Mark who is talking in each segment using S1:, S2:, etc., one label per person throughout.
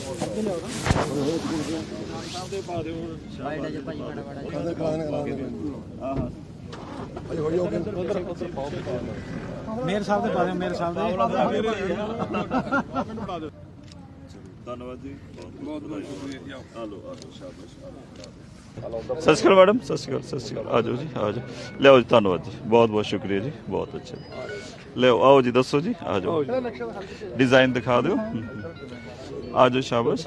S1: Mayor साहब दे पा दिओ, मेयर साहब दे
S2: ਧੰਨਵਾਦ ਜੀ, ਬਹੁਤ ਬਹੁਤ ਸ਼ੁਕਰੀਆ। ਆਲੋ ਸ਼ਾਬਾਸ਼। ਸਤਿ ਸ਼੍ਰੀ ਅਕਾਲ ਮੈਡਮ, ਸਤਿ ਸ਼੍ਰੀ ਅਕਾਲ, ਸਤਿ ਸ਼੍ਰੀ ਅਕਾਲ। ਆ ਜਾਓ ਜੀ, ਆ ਜਾਓ, ਲਿਆਓ ਜੀ। ਧੰਨਵਾਦ ਜੀ, ਬਹੁਤ ਬਹੁਤ ਸ਼ੁਕਰੀਆ ਜੀ, ਬਹੁਤ ਅੱਛਾ। ਲਿਆਓ, ਆਓ ਜੀ, ਦੱਸੋ ਜੀ, ਆ ਜਾਓ, ਡਿਜ਼ਾਈਨ ਦਿਖਾ ਦਿਓ। ਆ ਜਾਓ, ਸ਼ਾਬਾਸ਼।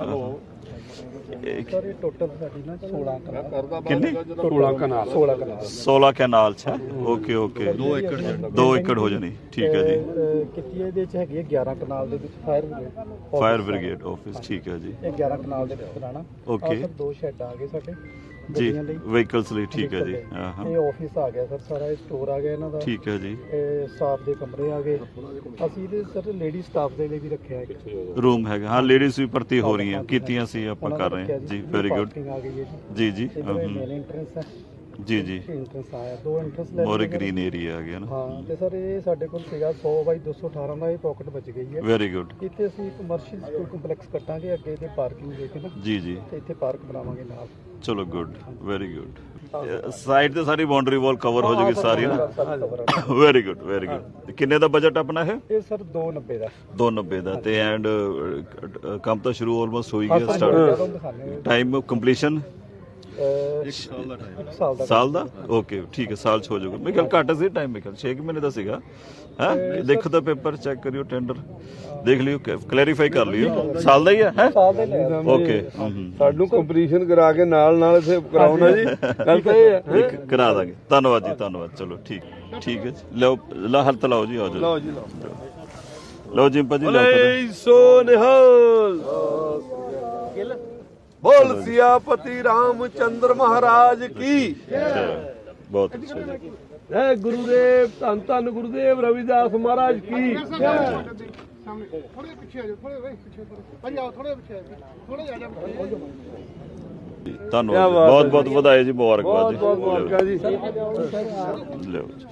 S1: टोटल साडी ना 16
S2: ਕਿੰਨੀ?
S1: 16 कनाल
S2: 16 ਕੈਨਾਲ ਚ। ਓਕੇ ਓਕੇ, 2 ਏਕੜ ਹੋ ਜਾਣੀ, ਠੀਕ ਹੈ ਜੀ।
S1: ਕਿਤੀ ਇਹਦੇ ਚ ਹੈਗੀ 11 ਕਨਾਲ ਦੇ ਵਿੱਚ
S2: ਫਾਇਰ ਬ੍ਰਿਗੇਡ ਆਫਿਸ, ਠੀਕ ਹੈ ਜੀ।
S1: ਇਹ 11 ਕਨਾਲ ਦੇ ਵਿੱਚ ਬਣਾਣਾ।
S2: ਓਕੇ
S1: ਦੋ ਸ਼ੈੱਡ ਆ ਗਏ ਸਾਡੇ
S2: ਜੀ, ਵਹੀਕਲਸ ਲਈ, ਠੀਕ ਹੈ ਜੀ। ਹਾਂ ਹਾਂ,
S1: ਇਹ ਆਫਿਸ ਆ ਗਿਆ ਸਰ, ਸਾਰਾ ਇਹ ਸਟੋਰ ਆ ਗਿਆ ਇਹਨਾਂ ਦਾ,
S2: ਠੀਕ ਹੈ ਜੀ।
S1: ਇਹ ਸਟਾਫ ਦੇ ਕਮਰੇ ਆ ਗਏ। ਅਸੀਂ ਇਹਦੇ ਸਰ ਲੇਡੀ ਸਟਾਫ ਦੇ ਲਈ ਵੀ ਰੱਖਿਆ ਹੈ
S2: ਰੂਮ ਹੈਗਾ। ਹਾਂ, ਲੇਡੀਜ਼ ਵੀ ਭਰਤੀ ਹੋ ਰਹੀਆਂ, ਕੀਤੀਆਂ ਸੀ ਆਪਾਂ ਕਰ ਰਹੇ ਹਾਂ ਜੀ। ਵੈਰੀ ਗੁੱਡ
S1: ਆ ਗਈ ਹੈ
S2: ਜੀ ਜੀ।
S1: ਮੇਨ ਐਂਟਰੈਂਸ ਹੈ
S2: ਜੀ ਜੀ,
S1: ਇੰਟਰੈਂਸ ਆਇਆ, 2 ਇੰਟਰੈਂਸ ਲੈ
S2: ਮੋਰ ਗ੍ਰੀਨ ਏਰੀਆ ਆ ਗਿਆ ਨਾ।
S1: ਹਾਂ, ਤੇ ਸਰ ਇਹ ਸਾਡੇ ਕੋਲ ਸੀਗਾ 100 ਬਾਈ 218 ਦਾ, ਇਹ ਪਾਕਟ ਬਚ ਗਈ ਹੈ।
S2: Very good.
S1: ਇੱਥੇ ਅਸੀਂ ਕਮਰਸ਼ੀਅਲ ਸਕੂਲ ਕੰਪਲੈਕਸ ਕੱਟਾਂਗੇ ਅੱਗੇ ਤੇ ਪਾਰਕਿੰਗ ਦੇ ਕੇ ਨਾ,
S2: ਜੀ ਜੀ,
S1: ਤੇ ਇੱਥੇ ਪਾਰਕ ਬਣਾਵਾਂਗੇ ਨਾਲ।
S2: ਚਲੋ ਗੁੱਡ, ਵੈਰੀ ਗੁੱਡ। ਸਾਈਡ ਤੇ ਸਾਰੀ ਬਾਉਂਡਰੀ ਵਾਲ ਕਵਰ ਹੋ ਜਾਏਗੀ ਸਾਰੀ ਨਾ। Very good, very good. ਕਿੰਨੇ ਦਾ ਬਜਟ ਆਪਣਾ ਹੈ?
S1: ਇਹ ਸਰ 290 ਦਾ।
S2: 290 ਦਾ। ਤੇ ਐਂਡ ਕੰਮ ਤਾਂ ਸ਼ੁਰੂ ਆਲਮੋਸਟ ਹੋ ਹੀ ਗਿਆ, ਸਟਾਰਟ। ਟਾਈਮ ਆਫ ਕੰਪਲੀਸ਼ਨ
S1: 1
S2: ਸਾਲ ਦਾ। ਓਕੇ, ਠੀਕ ਹੈ, ਸਾਲ ਚ ਹੋ ਜਾਊਗਾ। ਮੇਰੇ ਖਿਆਲ ਘੱਟ ਸੀ ਟਾਈਮ, ਮੇਰੇ ਖਿਆਲ 6 ਮਹੀਨੇ ਦਾ ਸੀਗਾ। ਹੈ, ਦੇਖੋ ਤਾਂ ਪੇਪਰ ਚੈੱਕ ਕਰਿਓ, ਟੈਂਡਰ ਦੇਖ ਲਿਓ, ਕਲੈਰੀਫਾਈ ਕਰ ਲਿਓ। ਸਾਲ ਦਾ ਹੀ ਹੈ। ਓਕੇ,
S3: ਸਾਨੂੰ ਕੰਪਲੀਸ਼ਨ ਕਰਾ ਕੇ ਨਾਲ ਨਾਲ ਇਥੇ ਕਰਾਉਣਾ ਜੀ, ਗੱਲ ਤਾਂ ਇਹ ਹੈ।
S2: ਕਰਾ ਦਾਂਗੇ। ਧੰਨਵਾਦ ਜੀ, ਧੰਨਵਾਦ। ਚਲੋ ਠੀਕ, ਠੀਕ ਹੈ ਜੀ। ਲਓ, ਹੱਥ ਲਾਓ ਜੀ, ਆ ਜਾਓ।
S3: ਲਓ ਜੀ,
S2: ਲਓ ਜਿੰਪਾ ਜੀ, ਲਓ।
S3: ਸੋ ਨਿਹਾਲ बोल सियापति रामचंद्र महाराज की।
S2: बहुत अच्छा जी।
S3: जय गुरुदेव, धन धन गुरुदेव रविदास महाराज की।
S2: धन्यवाद, बहुत बहुत बधाई जी, मुबारकबाद जी। लो जी,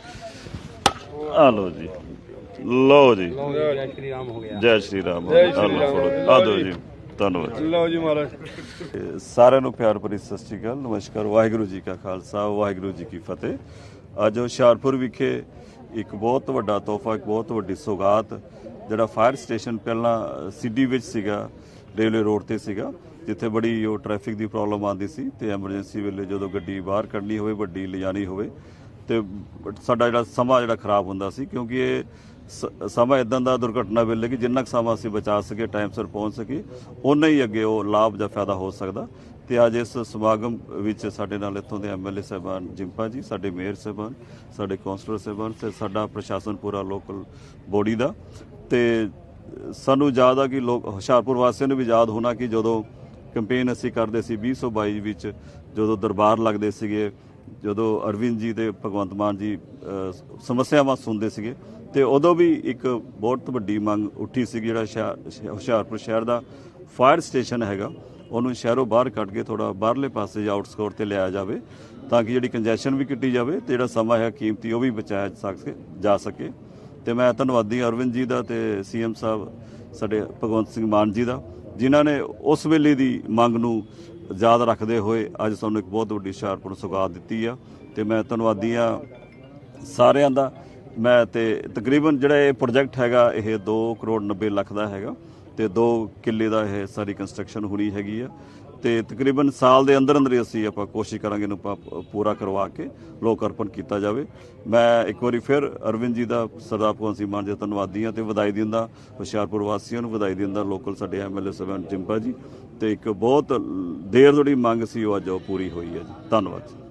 S2: आ लो जी, लो जी। जय श्री राम हो गया। जय श्री राम। आ दो जी, ਧੰਨਵਾਦ।
S3: ਲਓ ਜੀ ਮਹਾਰਾਜ।
S2: ਸਾਰਿਆਂ ਨੂੰ ਪਿਆਰ ਭਰੀ ਸਤਿ ਸ਼੍ਰੀ ਅਕਾਲ, ਨਮਸਕਾਰ। ਵਾਹਿਗੁਰੂ ਜੀ ਕਾ ਖਾਲਸਾ, ਵਾਹਿਗੁਰੂ ਜੀ ਕੀ ਫਤਿਹ। ਅੱਜ ਹੁਸ਼ਿਆਰਪੁਰ ਵਿਖੇ ਇੱਕ ਬਹੁਤ ਵੱਡਾ ਤੋਹਫਾ, ਇੱਕ ਬਹੁਤ ਵੱਡੀ ਸੌਗਾਤ, ਜਿਹੜਾ ਫਾਇਰ ਸਟੇਸ਼ਨ ਪਹਿਲਾਂ ਸਿਟੀ ਵਿੱਚ ਸੀਗਾ, ਰੇਲਵੇ ਰੋਡ ਤੇ ਸੀਗਾ, ਜਿੱਥੇ ਬੜੀ ਉਹ ਟ੍ਰੈਫਿਕ ਦੀ ਪ੍ਰੋਬਲਮ ਆਉਂਦੀ ਸੀ, ਤੇ ਐਮਰਜੈਂਸੀ ਵੇਲੇ ਜਦੋਂ ਗੱਡੀ ਬਾਹਰ ਕੱਢਣੀ ਹੋਵੇ, ਵੱਡੀ ਲਿਜਾਣੀ ਹੋਵੇ, ਤੇ ਸਾਡਾ ਜਿਹੜਾ ਸਮਾਂ ਜਿਹੜਾ ਖਰਾਬ ਹੁੰਦਾ ਸੀ, ਕਿਉਂਕਿ ਇਹ ਸਮਾਂ ਇਦਾਂ ਦਾ ਦੁਰਘਟਨਾ ਵੇਲੇ ਕਿ ਜਿੰਨਾ ਕੁ ਸਮਾਂ ਅਸੀਂ ਬਚਾ ਸਕੇ, ਟਾਈਮ ਸਿਰ ਪਹੁੰਚ ਸਕੇ, ਓਨਾ ਹੀ ਅੱਗੇ ਉਹ ਲਾਭ ਜਾਂ ਫਾਇਦਾ ਹੋ ਸਕਦਾ। ਤੇ ਅੱਜ ਇਸ ਸਮਾਗਮ ਵਿੱਚ ਸਾਡੇ ਨਾਲ ਇੱਥੋਂ ਦੇ ਐਮਐਲਏ ਸਾਹਿਬਾਨ ਜਿੰਪਾ ਜੀ, ਸਾਡੇ ਮੇਅਰ ਸਾਹਿਬਾਨ, ਸਾਡੇ ਕੌਂਸਲਰ ਸਾਹਿਬਾਨ, ਤੇ ਸਾਡਾ ਪ੍ਰਸ਼ਾਸਨ ਪੂਰਾ ਲੋਕਲ ਬੋਡੀ ਦਾ। ਤੇ ਸਾਨੂੰ ਯਾਦ ਆ ਕਿ ਲੋਕ ਹੁਸ਼ਿਆਰਪੁਰ ਵਾਸੀਆਂ ਨੂੰ ਵੀ ਯਾਦ ਹੋਣਾ ਕਿ ਜਦੋਂ ਕੰਪੇਨ ਅਸੀਂ ਕਰਦੇ ਸੀ 2022 ਵਿੱਚ, ਜਦੋਂ ਦਰਬਾਰ ਲੱਗਦੇ ਸੀਗੇ, ਜਦੋਂ ਅਰਵਿੰਦ ਜੀ ਤੇ ਭਗਵੰਤ ਮਾਨ ਜੀ ਸਮੱਸਿਆਵਾਂ ਸੁਣਦੇ ਸੀਗੇ, ਤੇ ਉਦੋਂ ਵੀ ਇੱਕ ਬਹੁਤ ਵੱਡੀ ਮੰਗ ਉੱਠੀ ਸੀ, ਜਿਹੜਾ ਹੁਸ਼ਿਆਰਪੁਰ ਸ਼ਹਿਰ ਦਾ ਫਾਇਰ ਸਟੇਸ਼ਨ ਹੈਗਾ, ਉਹਨੂੰ ਸ਼ਹਿਰੋਂ ਬਾਹਰ ਕੱਢ ਕੇ ਥੋੜਾ ਬਾਹਰਲੇ ਪਾਸੇ ਜਾਂ ਆਊਟਸਕੋਰ ਤੇ ਲਿਆਇਆ ਜਾਵੇ, ਤਾਂ ਕਿ ਜਿਹੜੀ ਕੰਜੈਸ਼ਨ ਵੀ ਕੱਟੀ ਜਾਵੇ, ਤੇ ਜਿਹੜਾ ਸਮਾਂ ਹੈ ਕੀਮਤੀ ਉਹ ਵੀ ਬਚਾਇਆ ਜਾ ਸਕੇ। ਤੇ ਮੈਂ ਧੰਨਵਾਦੀ ਅਰਵਿੰਦ ਜੀ ਦਾ ਤੇ ਸੀਐਮ ਸਾਹਿਬ ਸਾਡੇ ਭਗਵੰਤ ਸਿੰਘ ਮਾਨ ਜੀ ਦਾ, ਜਿਨ੍ਹਾਂ ਨੇ ਉਸ ਵੇਲੇ ਦੀ ਮੰਗ ਨੂੰ ਯਾਦ ਰੱਖਦੇ ਹੋਏ ਅੱਜ ਸਾਨੂੰ ਇੱਕ ਬਹੁਤ ਵੱਡੀ ਹੁਸ਼ਿਆਰਪੁਰ ਸੌਗਾਤ ਦਿੱਤੀ ਆ। ਤੇ ਮੈਂ ਧੰਨਵਾਦੀ ਆ ਸਾਰਿਆਂ ਦਾ। ਮੈਂ ਤੇ ਤਕਰੀਬਨ ਜਿਹੜਾ ਇਹ ਪ੍ਰੋਜੈਕਟ ਹੈਗਾ, ਇਹ 2 ਕਰੋੜ 90 ਲੱਖ ਦਾ ਹੈਗਾ, ਤੇ 2 ਕਿੱਲੇ ਦਾ ਇਹ ਸਾਰੀ ਕੰਸਟਰਕਸ਼ਨ ਹੋਣੀ ਹੈਗੀ ਆ। ਤੇ ਤਕਰੀਬਨ ਸਾਲ ਦੇ ਅੰਦਰ ਅੰਦਰ ਹੀ ਅਸੀਂ ਆਪਾਂ ਕੋਸ਼ਿਸ਼ ਕਰਾਂਗੇ ਇਹਨੂੰ ਪੂਰਾ ਕਰਵਾ ਕੇ ਲੋਕ ਅਰਪਣ ਕੀਤਾ ਜਾਵੇ। ਮੈਂ ਇੱਕ ਵਾਰੀ ਫਿਰ ਅਰਵਿੰਦ ਜੀ ਦਾ, ਸਰਦਾਰ ਭਗਵੰਤ ਸਿੰਘ ਮਾਨ ਜੀ ਦਾ ਧੰਨਵਾਦੀ ਹਾਂ, ਤੇ ਵਧਾਈ ਦਿੰਦਾ ਹੁਸ਼ਿਆਰਪੁਰ ਵਾਸੀਆਂ ਨੂੰ, ਵਧਾਈ ਦਿੰਦਾ ਲੋਕਲ ਸਾਡੇ ਐਮਐਲਏ ਸਾਹਿਬਾਨ ਜਿੰਪਾ ਜੀ। ਤੇ ਇੱਕ ਬਹੁਤ ਦੇਰ ਤੋਂ ਜਿਹੜੀ ਮੰਗ ਸੀ ਉਹ ਅੱਜ ਉਹ ਪੂਰੀ ਹੋਈ ਹੈ ਜੀ। ਧੰਨਵਾਦ।